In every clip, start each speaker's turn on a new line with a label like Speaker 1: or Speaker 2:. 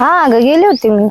Speaker 1: हा अगं गेले होते मी.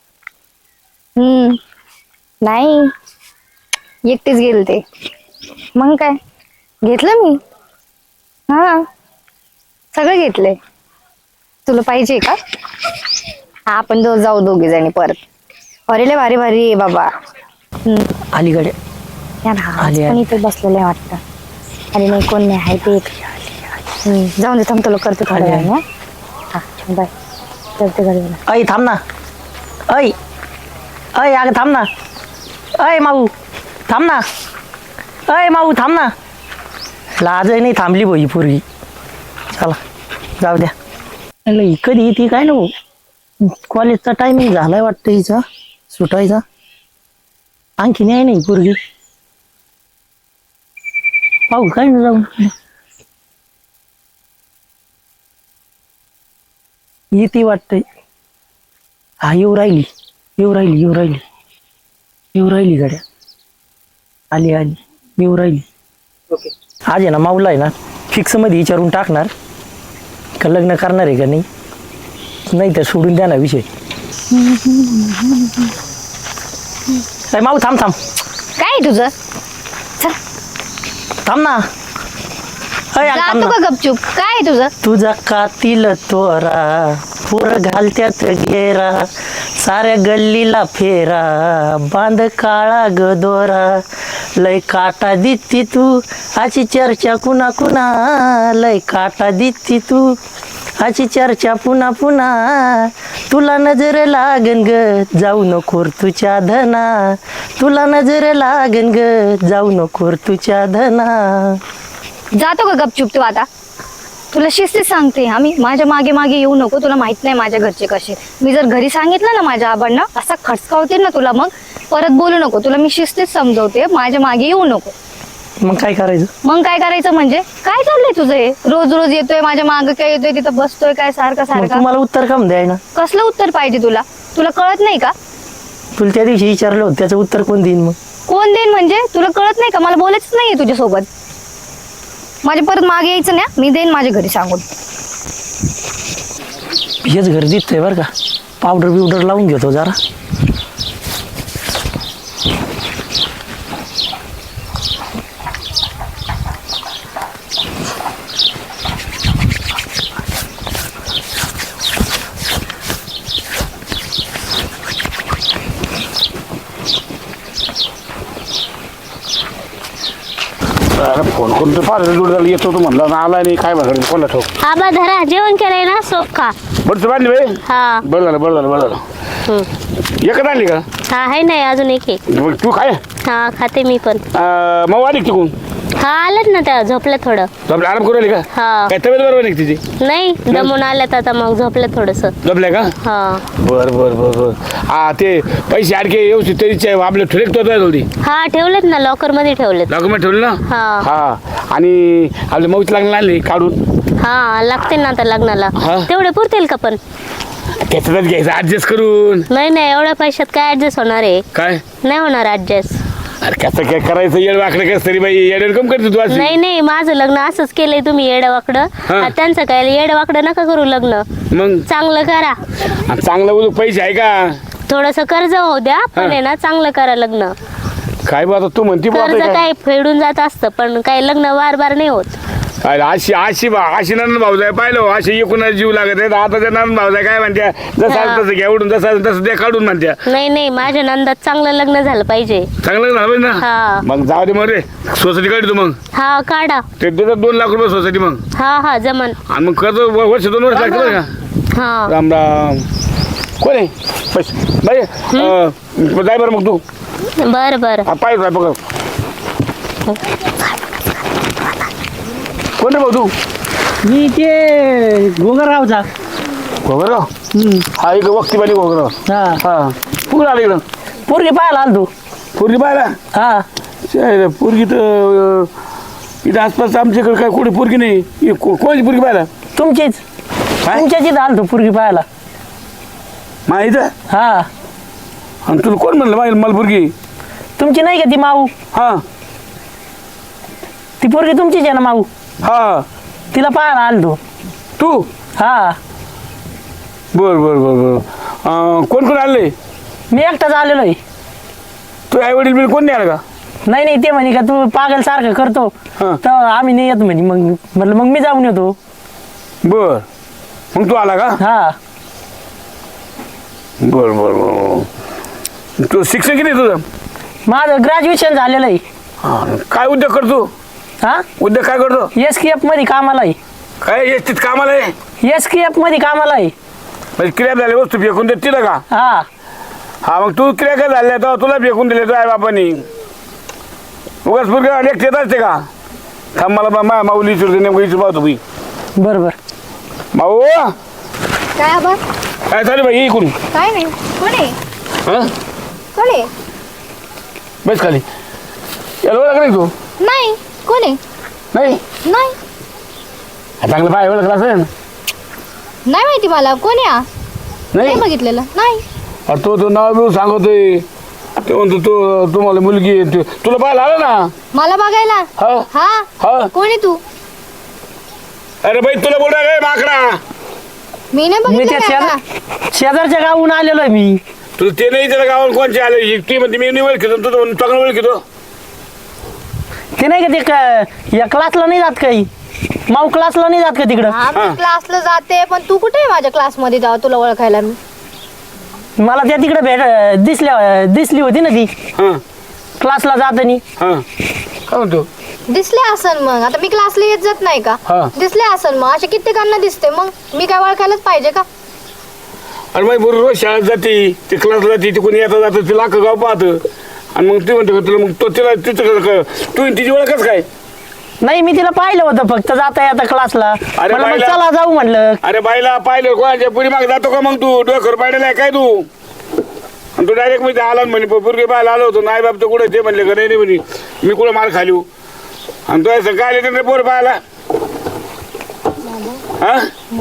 Speaker 1: नाही एकटीच गेले ते. मग काय घेतलं मी. हा सगळं घेतलंय. तुला पाहिजे का? हा आपण जाऊ दोघे जणी परत. अरे लय भारी भारी आहे बाबा.
Speaker 2: अलीकडे
Speaker 1: यार हा
Speaker 2: आली,
Speaker 1: पण
Speaker 2: आली.
Speaker 1: इथे बसलेलं आहे वाटतं. अरे नाही कोण नाही आहे ते. जाऊन दे थांब तुला करते थोड्या
Speaker 2: आली,
Speaker 1: वेळाने. हा बाय करते घरी.
Speaker 2: ऐ थांब ना. ऐ ऐ अगं थांब ना. ऐ माऊ थांब ना. ऐ माऊ थांब ना. लाजही नाही थांबली भाई पोरगी. चला जाऊ द्या. कधी येते काय नको. कॉलेजचा टायमिंग झालाय वाटतं हिचा सुटायचा. आणखी नाही नाही पोरगी. पाहू काय ना जाऊन. येते वाटतंय. हा येऊ राहिली येऊ राहिली येऊ राहिली येऊ राहिली गाड्या. आली आली येऊ राहिली. आज आहे ना माऊला आहे ना फिक्स मध्ये विचारून टाकणार का लग्न करणार आहे का नाही. नाही तर सोडून द्या ना विषय. माऊ थांब थांब.
Speaker 1: काय तुझं चल
Speaker 2: थांब ना. थांब
Speaker 1: जातो
Speaker 2: ना.
Speaker 1: का गपचूप. काय तुझं
Speaker 2: तुझा कातील तोरा पोर घालत्यात गेरा साऱ्या गल्लीला फेरा बांध काळा गदोरा लय काटा दिसती तू आची चर्चा कुणा कुणा लय काटा दिसती तू आची चर्चा पुन्हा पुन्हा तुला नजर लागन ग जाऊ नकोर तुझ्या धना तुला नजर लागन ग जाऊ नकोर तुझ्या धना.
Speaker 1: जातो का गपचूप तू आता. तुला शिस्तीत सांगते आम्ही माझ्या मागे मागे येऊ नको. तुला माहित नाही माझ्या घरचे कसे. मी जर घरी सांगितलं ना माझ्या आबांना असा खडकावतील ना तुला. मग परत बोलू नको. तुला मी शिस्तीत समजवते माझ्या मागे येऊ नको.
Speaker 2: मग काय करायचं.
Speaker 1: मग काय करायचं म्हणजे काय चाललंय तुझं हे. रोज रोज येतोय माझ्या मागे काय येतोय तिथं बसतोय काय सारखं
Speaker 2: मग
Speaker 1: सारखं.
Speaker 2: तुम्हाला उत्तर का द्याय ना.
Speaker 1: कसलं उत्तर पाहिजे तुला. तुला कळत नाही का.
Speaker 2: तुला त्या दिवशी विचारलं होतं त्याचं उत्तर कोण देईन मग.
Speaker 1: कोण देईन म्हणजे तुला कळत नाही का. मला बोलायचंच नाहीये तुझ्यासोबत. माझ्या परत मागे यायचं ना. मी देईन माझ्या घरी सांगून.
Speaker 2: हेच घर दिसतंय बरं का. पावडर बिवडर लावून घेतो जरा.
Speaker 3: फोन करून तर फार जोड येतो तो म्हणला ना आला नाही काय म्हणा कोणला ठोक.
Speaker 4: आबा धरा जेवण केलंय ना सोप खा.
Speaker 3: बरं बांधली बाई.
Speaker 4: हा
Speaker 3: बरं झालं बरं झालं बरं झालं. एकच आणली का.
Speaker 4: हा आहे नाही अजून एक आहे.
Speaker 3: मग तू काय
Speaker 4: हा खाते मी पण.
Speaker 3: मग आली का तिकून.
Speaker 4: हा आलत ना त्या झोपल्या थोडं.
Speaker 3: झोपल्या आराम करू आली का.
Speaker 4: हा
Speaker 3: काय तब्येत बरोबर नाही का तिची.
Speaker 4: नाही दमून आल्यात आता मग झोपल्या थोडस.
Speaker 3: झोपल्या का.
Speaker 4: हा
Speaker 3: बर बर बर बर. हा ते पैसे अडके व्यवस्थित तरीच आपले ठेवले तो जल्दी.
Speaker 4: हा ठेवलेत ना लॉकर मध्ये ठेवलेत.
Speaker 3: डॉक्युमेंट ठेवले ना.
Speaker 4: हा
Speaker 3: हा आणि आपल्या मऊच लागला आणली काढून.
Speaker 4: हा लागते ना आता लग्नाला.
Speaker 3: हा.
Speaker 4: तेवढे पुरतील का पण.
Speaker 3: त्याच्यातच घ्यायचं ऍडजस्ट करून.
Speaker 4: नाही नाही एवढ्या पैशात काय ऍडजस्ट होणार आहे.
Speaker 3: काय
Speaker 4: नाही होणार ऍडजस्ट.
Speaker 3: अरे कसं काय करायचं येड वाकडे कसं तरी बाई येड कम करते तू अशी.
Speaker 4: नाही नाही माझं लग्न असंच केलंय तुम्ही येडवाकडं.
Speaker 3: हा.
Speaker 4: त्यांचं काय येडवाकडं नका करू लग्न.
Speaker 3: मग
Speaker 4: चांगलं करा.
Speaker 3: आणि चांगलं बोलू पैसे आहे का.
Speaker 4: थोडस कर्ज होऊ द्या पण आहे ना चांगलं करा लग्न.
Speaker 3: काय बा आता तू म्हणती बा
Speaker 4: कर्ज
Speaker 3: आता काय.
Speaker 4: काय फेडून जात असतं पण काय लग्न वार बार नाही होत.
Speaker 3: अरे अशी अशी अशी नंद भाऊजाय पाहिलं अशी एकूणच जीव लागत आहे आता त्या नंद भाऊजाय काय म्हणत्या जसं
Speaker 4: हा.
Speaker 3: तसं घ्या उडून जसं तसं ते काढून म्हणत्या.
Speaker 4: नाही नाही माझ्या नंदात चांगलं लग्न झालं पाहिजे.
Speaker 3: चांगलं झालं पाहिजे ना.
Speaker 4: हा.
Speaker 3: मग जाऊ दे मग रे सोसायटी काढतो मग.
Speaker 4: हा काढा.
Speaker 3: ते देतात 2 लाख रुपये सोसायटी मग.
Speaker 4: हा हा जमन.
Speaker 3: आणि मग कर्ज वर्ष 2 वर्ष लागतं बरं का.
Speaker 4: हा
Speaker 3: राम राम. कोण आहे पैसे बाई जाय बरं मग तू.
Speaker 4: बर बर.
Speaker 3: पाहिजे बघ कोण रे भाऊ तू.
Speaker 2: मी ते गोगररावचा.
Speaker 3: घोगरगाव. हा एक वक्तीवाली घोगरगाव.
Speaker 2: हा
Speaker 3: हा कुठं आलं इकडं.
Speaker 2: पोरगी पाहायला आलो तू.
Speaker 3: पोरगी पाहिला.
Speaker 2: हा
Speaker 3: पोरगी तर इथं आसपास आमच्याकडे काय कुठे पोरगी नाही. कोणाची पोरगी पाहिला.
Speaker 2: तुमचीच
Speaker 3: काय?
Speaker 2: तुमच्याच इथं आलो तू पोरगी पाहायला.
Speaker 3: इथं.
Speaker 2: हा
Speaker 3: आणि तुला कोण म्हणलं माहिती मला पोरगी.
Speaker 2: तुमची नाही का ती माऊ.
Speaker 3: हा
Speaker 2: ती पोरगी तुमचीच आहे ना माऊ.
Speaker 3: हा
Speaker 2: तिला पाहायला आलो तू.
Speaker 3: तू.
Speaker 2: हा
Speaker 3: बर बर बर बर कोण कोण आले?
Speaker 2: मी एकटाच आलेलो आहे.
Speaker 3: तू आई वडील बिल कोण नाही आलं का?
Speaker 2: नाही नाही, ते म्हणे का तू पागल सारखं करतो
Speaker 3: हा.
Speaker 2: तर आम्ही नाही येत म्हणे. मग म्हटलं मग मी जाऊन येतो.
Speaker 3: बर, मग तू आला का?
Speaker 2: हा.
Speaker 3: बर बर बर. तू शिक्षण किती आहे तुझं?
Speaker 2: माझं ग्रॅज्युएशन झालेलं आहे.
Speaker 3: हा, काय उद्योग करतो?
Speaker 2: हा,
Speaker 3: उद्योग काय करतो?
Speaker 2: SKF मध्ये कामाला आहे.
Speaker 3: काय एसटीत कामाला आहे?
Speaker 2: SKF मध्ये कामाला आहे.
Speaker 3: म्हणजे क्रिया झाली वस्तू फेकून देत तिला का?
Speaker 2: हा.
Speaker 3: हा, मग तू क्रिया काय झाल्या तेव्हा तुला फेकून दिले तो आई बापानी. उगाच पुरगा अनेक येत असते का? थांब मला माऊली विचारते, नेमकं विचार पाहतो मी.
Speaker 2: बरोबर.
Speaker 3: भाऊ
Speaker 1: काय आबा?
Speaker 3: काय चालू भाई इकडून?
Speaker 1: काय नाही. कोण आहे?
Speaker 3: हा,
Speaker 1: कोण आहे?
Speaker 3: बस खाली. याला ओळख नाही तू?
Speaker 1: नाही. कोण आहे?
Speaker 3: नाही.
Speaker 1: नाही.
Speaker 3: हा, चांगलं पाय ओळखला असेल.
Speaker 1: नाही माहिती मला. कोण आहे?
Speaker 3: नाही
Speaker 1: नाही बघितलेलं. नाही.
Speaker 3: अरे तो नाव बिव सांगतोय. ते म्हणतो तो तुम्हाला मुलगी आहे. तुला पाहायला आलं ना?
Speaker 1: मला बघायला?
Speaker 3: हा
Speaker 1: हा.
Speaker 3: हा.
Speaker 1: कोण आहे तू?
Speaker 3: अरे बाई तुला बोला रे माकडा.
Speaker 1: मी नाही
Speaker 2: मी
Speaker 1: बघितलं
Speaker 2: त्या
Speaker 1: का?
Speaker 2: शेजारच्या गावून आलेलो आहे मी.
Speaker 3: तुला ते नाही त्याला गावात कोणचे आले? ती म्हणते मी नाही ओळखतो, तू चांगलं ओळखतो.
Speaker 2: ते नाही का ते या क्लासला नाही जात काही, माऊ क्लासला नाही जात का तिकडं?
Speaker 1: हा, मी क्लासला जाते, पण तू कुठे आहे माझ्या क्लासमध्ये जाऊ तुला ओळखायला मी?
Speaker 2: मला त्या तिकडे दिसली होती ना ती
Speaker 3: हा
Speaker 2: क्लासला जातानी.
Speaker 3: हा, काय म्हणतो?
Speaker 1: दिसले असन मग. आता मी क्लासला येत जात नाही का?
Speaker 3: हा.
Speaker 1: दिसले असन मग. असे कित्येकांना दिसते, मग मी काय ओळखायलाच पाहिजे का?
Speaker 3: अरे बाई बरोबर शाळेत जाते, ते क्लासला जाते, ते कोणी येता जातं ते लाख गाव पाहतं. आणि मग ते म्हणतो का तुला, मग तो तिला तिचं तू तिची ओळखच काय?
Speaker 2: नाही, मी तिला पाहिलं होतं फक्त जाता येता क्लासला.
Speaker 3: अरे
Speaker 2: म्हणलं मग
Speaker 3: बाईला-
Speaker 2: चला जाऊ म्हणलं.
Speaker 3: अरे बाईला पाहिलं कोणाच्या पुरी माग जातो का मग तू? डोकर पाहिलेला आहे काय तू? आणि तू डायरेक्ट मी आला म्हणे पुरगे पाहायला आलो होतो. नाही बाप तर कुठे ते म्हणले का? नाही म्हणे मी कुठं मार खाली. आणि तो असं काय आले पोर पाहायला? हा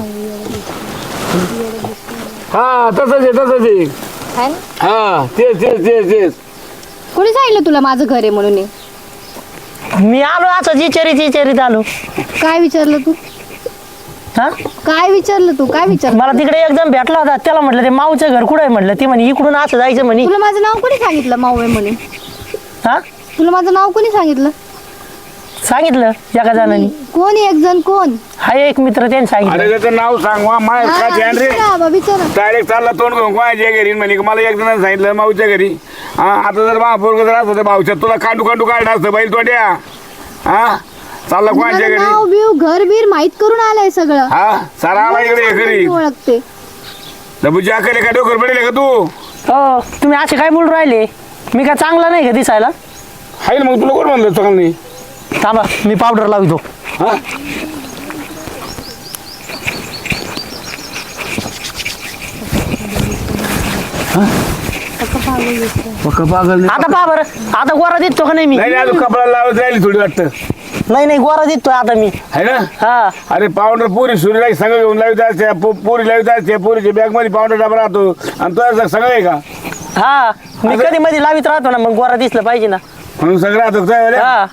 Speaker 3: हा, तसंच आहे तसंच आहे.
Speaker 1: है ना?
Speaker 3: हा, तेच तेच तेच तेच.
Speaker 1: कोणी सांगितलं तुला माझं घर आहे म्हणून हे?
Speaker 2: मी आलो असं चिचरीत आलो.
Speaker 1: काय विचारलं तू?
Speaker 2: हा,
Speaker 1: काय विचारलं तू? काय विचारलं?
Speaker 2: मला तिकडे एकदम भेटला होता. त्याला म्हटलं ते माऊचं घर कुठं आहे म्हटलं. ती म्हणे इकडून असं जायचं म्हणे.
Speaker 1: तुला माझं नाव कोणी सांगितलं माऊ आहे म्हणून?
Speaker 2: हा,
Speaker 1: तुला माझं नाव कोणी सांगितलं?
Speaker 2: सांगितलं एका जणांनी.
Speaker 1: कोण एक जण? कोण?
Speaker 2: हा, एक मित्र त्याने
Speaker 3: अरे
Speaker 2: सांगितलं.
Speaker 3: त्याचं नाव सांग वा. माय
Speaker 1: हा,
Speaker 3: काय ध्यान रे?
Speaker 1: विचारा बाबा, विचारा.
Speaker 3: डायरेक्ट चालला तोंड घेऊन कोणाच्या घरी म्हणे मला एक जणांनी सांगितलं माऊच्या घरी. हा, आता जर महापोरग जर असतं भाऊच्या तुला कांडू कांडू काढलं असतं बैल तोड्या. हा, चालला कोणाच्या
Speaker 1: मला
Speaker 3: घरी?
Speaker 1: नाव बिव घर बीर माहित करून आलंय सगळं.
Speaker 3: हा, सारा आला इकडे घरी.
Speaker 1: मी ओळखते.
Speaker 3: डबूची अकले का डोकर पडेल का तू?
Speaker 2: हो, तुम्ही असे काय बोलून राहिले? मी काय चांगला नाही का दिसायला?
Speaker 3: आहे ना, मग तुला कोण म्हणलं चांगलं नाही?
Speaker 2: थांबा, मी पावडर लावतो.
Speaker 3: हा, पागल नाही.
Speaker 2: आता पहा बरं, आता गोरा दिसतो का नाही मी?
Speaker 3: नाही अजून कपडा लावत राहिली थोडी वाटतं.
Speaker 2: नाही गोरा दिसतोय आता मी.
Speaker 3: आहे ना?
Speaker 2: हा,
Speaker 3: अरे पावडर पोरी सुरीला सगळं घेऊन लावित असते. पोरी लावित असते. पोरीच्या बॅग मध्ये पावडर डबा राहतो. आणि तो सगळं आहे का?
Speaker 2: हा, मी कधी मध्ये लावित राहतो ना, मग गोरा दिसलं पाहिजे ना.
Speaker 3: म्हणून सगळं राहतो काय?
Speaker 2: हा,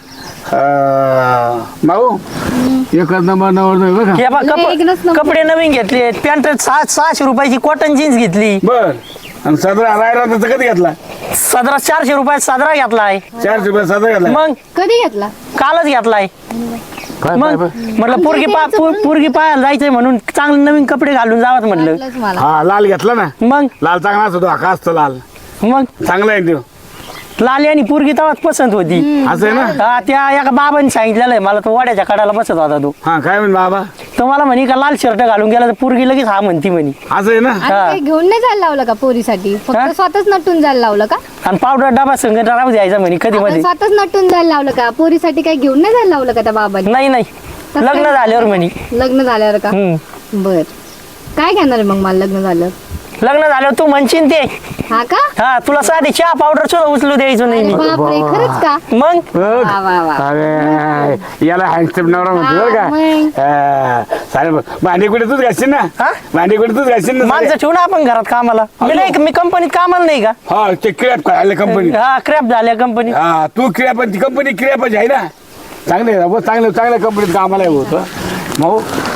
Speaker 3: भाऊ एकच नंबर नवर बघा.
Speaker 2: हे बघा,
Speaker 1: नाही, एकच नंबर.
Speaker 2: कपडे नवीन घेतले. पॅन्ट 600 रुपयाची कॉटन जीन्स घेतली.
Speaker 3: बर, आणि सदरा रायरा त्याचा कधी घेतला?
Speaker 2: सदरा 400 रुपयात सदरा घेतलाय.
Speaker 3: 400 रुपये सदरा घेतला.
Speaker 2: मग
Speaker 1: कधी घेतला?
Speaker 2: कालच घेतलाय. मग म्हटलं पोरगी पाहायला जायचंय म्हणून चांगले नवीन कपडे घालून जावत म्हटलं.
Speaker 1: वाटलंच मला.
Speaker 3: हा, लाल घेतला ना.
Speaker 2: मग
Speaker 3: लाल चांगला असतो. हा असतो लाल,
Speaker 2: मग
Speaker 3: चांगला आहे तो.
Speaker 2: लाली आणि पोरगी तेव्हाच पसंत होती.
Speaker 3: असं आहे ना?
Speaker 2: हा, त्या एका बाबांनी सांगितलेलं आहे मला. तो वाड्याच्या कडाला बसत होता तो.
Speaker 3: हा, काय म्हण बाबा?
Speaker 2: तो मला म्हणे का लाल शर्ट घालून गेला तर पोरगी लगेच हा म्हणती म्हणे.
Speaker 3: असं आहे ना?
Speaker 1: आणि काही घेऊन नाही जायला लावलं का पोरीसाठी?
Speaker 2: हा?
Speaker 1: फक्त स्वतःच नटून जायला लावलं का?
Speaker 2: आणि पावडर डबा संग राहू द्यायचा म्हणे कधी
Speaker 1: आपण
Speaker 2: मध्ये.
Speaker 1: स्वतःच नटून जायला लावलं का? पोरीसाठी काही घेऊन नाही जायला लावलं का त्या बाबाने?
Speaker 2: नाही
Speaker 1: तसं
Speaker 2: लग्न
Speaker 1: काय?
Speaker 2: झाल्यावर म्हणे.
Speaker 1: लग्न झाल्यावर का?
Speaker 2: हम्म.
Speaker 1: बर. काय घेणार आहे मग मला लग्न झाल्यावर?
Speaker 2: लग्न झाल्यावर तू म्हणशील ते.
Speaker 1: हा का?
Speaker 2: हा, तुला साधी चहा पावडर सुद्धा उचलू द्यायचो नाही
Speaker 1: अरे
Speaker 2: मी.
Speaker 1: बापरे, खरंच का?
Speaker 2: मग
Speaker 3: बघ.
Speaker 1: वा वा वा.
Speaker 3: अरे याला हँडसम नवरा म्हणतो बरं
Speaker 1: हा,
Speaker 3: का? चालेल. भांडे कुठे तूच घालशील ना?
Speaker 2: हा?
Speaker 3: भांडे कुठे तूच घालशील ना?
Speaker 2: माणसं ठेवू ना आपण घरात कामाला. मी नाही मी कंपनीत कामाला नाही का?
Speaker 3: हा, ते क्रियाप करायला कंपनी.
Speaker 2: हा, क्रॅप झाल्या कंपनीत.
Speaker 3: हा, तू क्रियाप ती कंपनी क्रियापच आहे ना. चांगले चांगल्या कंपनीत कामाला होतं भाऊ.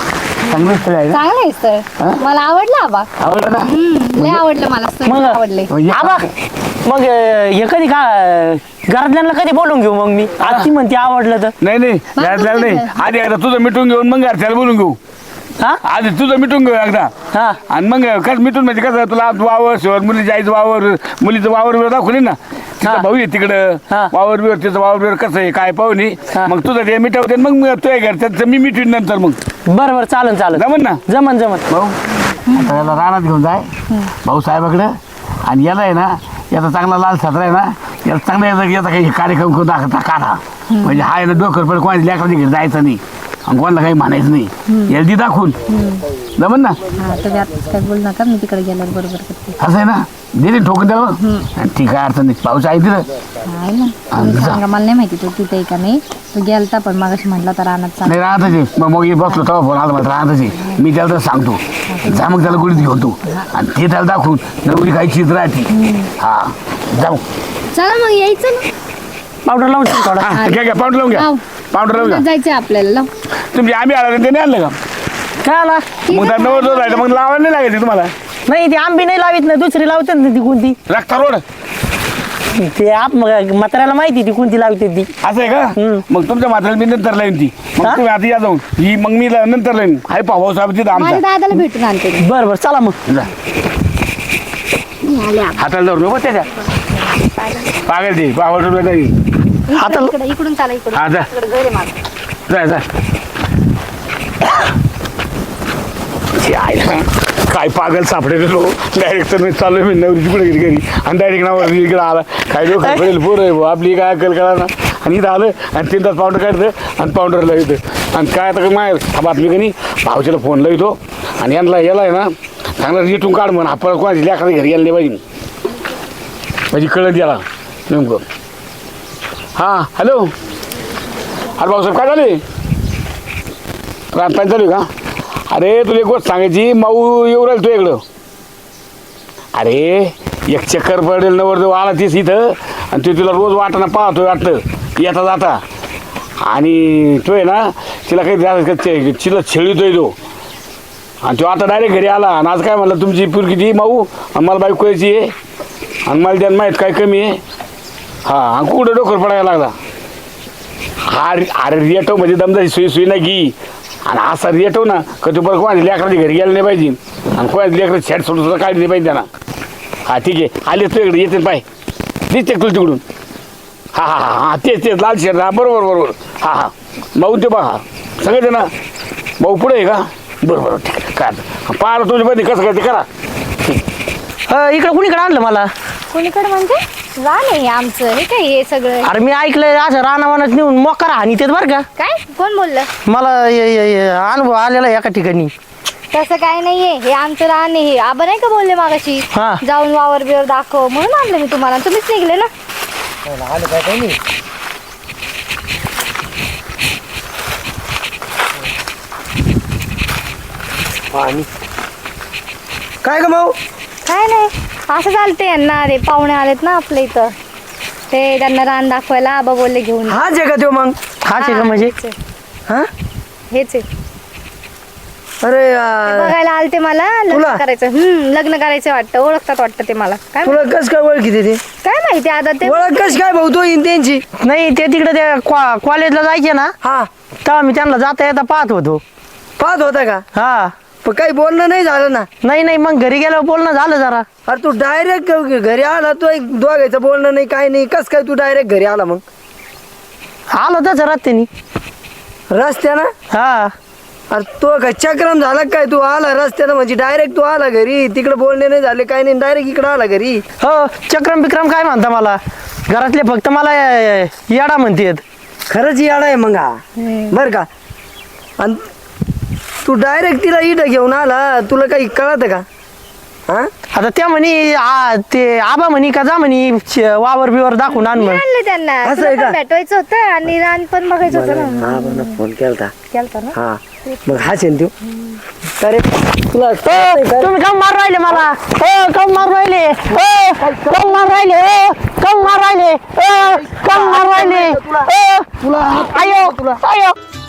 Speaker 3: चांगलं स्थळ आहे ना
Speaker 1: चांगलं आहे स्थळ, मला आवडलं आबा.
Speaker 3: आवडलं ना
Speaker 1: लय आवडलं मला स्थळ,
Speaker 2: मग
Speaker 1: आवडले.
Speaker 3: म्हणजे
Speaker 2: आबा मग हे कधी का घरातल्यांना कधी बोलून घेऊ मग मी आज ती म्हणते आवडलं तर
Speaker 3: नाही नाही घरातल्याला नाही आधी एकदा तुझं मिटून घेऊन मग घरच्याला बोलून घेऊ.
Speaker 2: हा
Speaker 3: आधी तुझं मिटून घेऊ एकदा
Speaker 2: हा
Speaker 3: आणि मग कसं मिटून म्हणजे कसं तुला वावर शिवर मुलीच्या आईचं वावर मुलीचं वावर बिवर दाखवली ना तिचा
Speaker 2: हा.
Speaker 3: भाऊ आहे तिकडं
Speaker 2: हा.
Speaker 3: वावर बिवर तिचं वावर बिवर कसं आहे काय पाहुणे
Speaker 2: हा.
Speaker 3: मग तुझं ते मिटवते मग तुझ्या घरच्याचं मी मिटवीन नंतर मग
Speaker 2: बरं बरं चालन चालन
Speaker 3: जमन ना
Speaker 2: जमन
Speaker 3: भाऊ आता याला रानात घेऊन जाय भाऊ साहेबाकडं आणि याला आहे ना याचा चांगला लाल सदरा आहे ना याला चांगला याचा काही कार्यक्रम करून दाखवता काढा म्हणजे हा आहे ना डोकर पण कोणाच्या लेकराच्या घरी जायचं नाही आणि कोणाला काही म्हणायचं नाही याला ती दाखवून जमन ना
Speaker 1: हा, तुम्ही आता काय बोल नका, मी तिकडे गेल्यावर बरोबर करते.
Speaker 3: असं आहे ना दिली ठोकून द्यावं ठीक आहे अडचण नाही पाऊस आहे तिथं
Speaker 1: आहे ना, तुम्ही सांगा, मला नाही माहिती तो तिथे का नाही. तो गेलता पण मगाशी म्हटला तर रानात चाल.
Speaker 3: नाही राहतच मग मग बसलो तेव्हा फोन आला मला राहतच मी त्याला तर सांगतो जा मग त्याला गुडीत घेऊन तू आणि ते त्याला दाखवून नवरी काही चित्र राहते हा जाऊ
Speaker 1: चला मग यायचं ना.
Speaker 2: पावडर लावून ठेव थोडा
Speaker 3: हा घ्या घ्या पावडर लावून घ्या
Speaker 1: लाव.
Speaker 3: पावडर लावून घ्या
Speaker 1: जायचंय आपल्याला, लाव.
Speaker 3: तुमची आम्ही आला ते नाही आणलं का
Speaker 2: काय आला
Speaker 3: मग त्या नवर जो राहिलं मग लावायला नाही लागायचं तुम्हाला
Speaker 2: नाही ती आंबी नाही लावित ना दुसरी लावते ना ती कोणती
Speaker 3: रक्ता रोड
Speaker 2: ते आप म्हाताऱ्याला माहिती ती कोणती लावते ती
Speaker 3: असं आहे का मग तुमच्या मात्राला मी नंतर लाईन ती मग
Speaker 2: हा?
Speaker 3: तुम्ही आधी या जाऊन ही मग मी नंतर लाईन आहे भाऊ साहेब तिथं
Speaker 1: माझ्या
Speaker 3: आमचा
Speaker 1: दादाला भेटून आणते मी.
Speaker 2: बरं बरं चला मग
Speaker 3: जा.
Speaker 1: आले आपण.
Speaker 3: हाताला धरून नको त्याच्या पागल ते पावडर रुपये नाही
Speaker 2: हाताला-
Speaker 1: इकडून चला, इकडून.
Speaker 3: हा, जा.
Speaker 1: इकडं घर आहे माझं.
Speaker 3: जाय जाय ते आहे ना, काय पागल सापडेल लो डायरेक्ट तर मी चाललोय मी नवरी तिकडे गेली घरी आणि डायरेक्ट नावर इकडे आला काय लोक पडेल पोर आहे बुवा, आपली काय अक्कल कळा ना आणि इथं आलं आणि 3 तास पावडर काढतं आणि पावडरला येतं आणि काय आता माय बातमी का नाही भाऊच्याला फोन लावतो आणि यांना याला आहे ना चांगला रिटून काढ म्हणून आपण कोणाची लेकराच्या घरी यायला नाही पाहिजे म्हणजे कळत याला नेमकं हां हॅलो अरे भाऊसाहेब काय झाले रात चालू का अरे तुला एक गोष्ट सांगायची माऊ येऊ राहील तू इकडं अरे एक चक्कर पडेल नवर जो आला तीच इथं आणि ते तुला रोज वाटाणा पाहतोय वाटतं येता जाता आणि तो आहे ना तिला काही तिला छेळतोय तो आणि तो आता डायरेक्ट घरी आला आणि आज काय म्हणलं तुमची पुरकी ती माऊ आणि मला बाईक यायची आहे आणि मला त्यानं माहीत काय कमी आहे हां आणि कुठं डोकर पडायला लागला हा अरे रेटव म्हणजे दमदाची सुई नाही की आणि असा रेटव ना का तू बरं कोणाच्या लेकराच्या घरी गेलं नाही पाहिजे आणि कोणाच्या लेकरं छेड सोडून सुद्धा काढली नाही पाहिजे त्यांना हां ठीक आहे आले तू इकडे येते पाय दिसते तुला तिकडून हां हां हां हां तेच लाल शेड हां बरोबर बरोबर हां हां भाऊ ते बघा सगळे ते ना भाऊ पुढे आहे का बरं बरं ठीक आहे काय पाहिलं तुझ्या मध्ये कसं काय ते करा
Speaker 2: इकडं कुणीकडे आणलं मला
Speaker 1: कोणीकडे म्हणजे रान आहे आमचं, हे काय हे सगळं.
Speaker 2: अरे मी ऐकलंय असं रानावानात नेऊन मोकार हानी ते बरं का
Speaker 1: काय कोण बोललं?
Speaker 2: मला अनुभव आलेला आहे एका ठिकाणी
Speaker 1: तसं काय नाहीये, हे आमचं रान आहे. हे आबा नाही का बोलले मागाशी
Speaker 2: हा.
Speaker 1: जाऊन वावर बिवर दाखव म्हणून आणलं मी तुम्हाला, तुम्हीच निघले ना.
Speaker 2: काय ग भाऊ
Speaker 1: काय नाही, असं चालतंय यांना. अरे पाहुणे आलेत ना आपल्या इथं, ते त्यांना रान दाखवायला आबा बोलले घेऊन.
Speaker 2: हाच आहे का तो मग हाच आहे का म्हणजे
Speaker 1: हेच आहे.
Speaker 2: हा
Speaker 1: हेच आहे.
Speaker 2: अरे
Speaker 1: ते बघायला आलते मला, लग्न करायचं. लग्न करायचं वाटतं, ओळखतात वाटतं ते मला. काय
Speaker 2: तुला कस काय ओळखी ते
Speaker 1: काय माहिती आता ते.
Speaker 2: ओळख कस काय भाऊ तो त्यांची नाही ते तिकडे त्या कॉलेजला जायचे ना हा तेव्हा मी त्यांना जाता येता पाहत होता का हा पण काही बोलणं नाही झालं ना नाही मग घरी गेल्यावर बोलणं झालं जरा अरे तू डायरेक्ट घरी आला तू एक दोघायचं बोलणं नाही काय नाही कस काय तू डायरेक्ट घरी आला मग आलो तसं रस्त्यानं हा अरे तो काय चक्रम झाला काय तू आला रस्त्यानं म्हणजे डायरेक्ट तू आला घरी तिकडे बोलणे नाही झाले काय नाही डायरेक्ट इकडे आला घरी हो चक्रम बिक्रम काय म्हणता मला घरातले फक्त मला येडा म्हणतेत खरंच येडा आहे मग हा बर का आणि तू डायरेक्ट तिला इथं घेऊन आला तुला काही कळत का हा आता त्या म्हणी ते आबा म्हणी का जा म्हणी वावर बिवर दाखवून आण म्हण
Speaker 1: आणले त्यांना.
Speaker 2: असं
Speaker 1: तुला
Speaker 2: आहे
Speaker 1: पण
Speaker 2: का?
Speaker 1: भेटवायचं होतं आणि रान पण बघायचं होतं ना.
Speaker 2: आबांना फोन केलता
Speaker 1: केलता ना.
Speaker 2: हा मग हाच आहे तू अरे तुला तुम्ही कम मार राहिले मला कम मार राहिले कम मार राहिले कम मार राहिले कम मार राहिले तुला आयो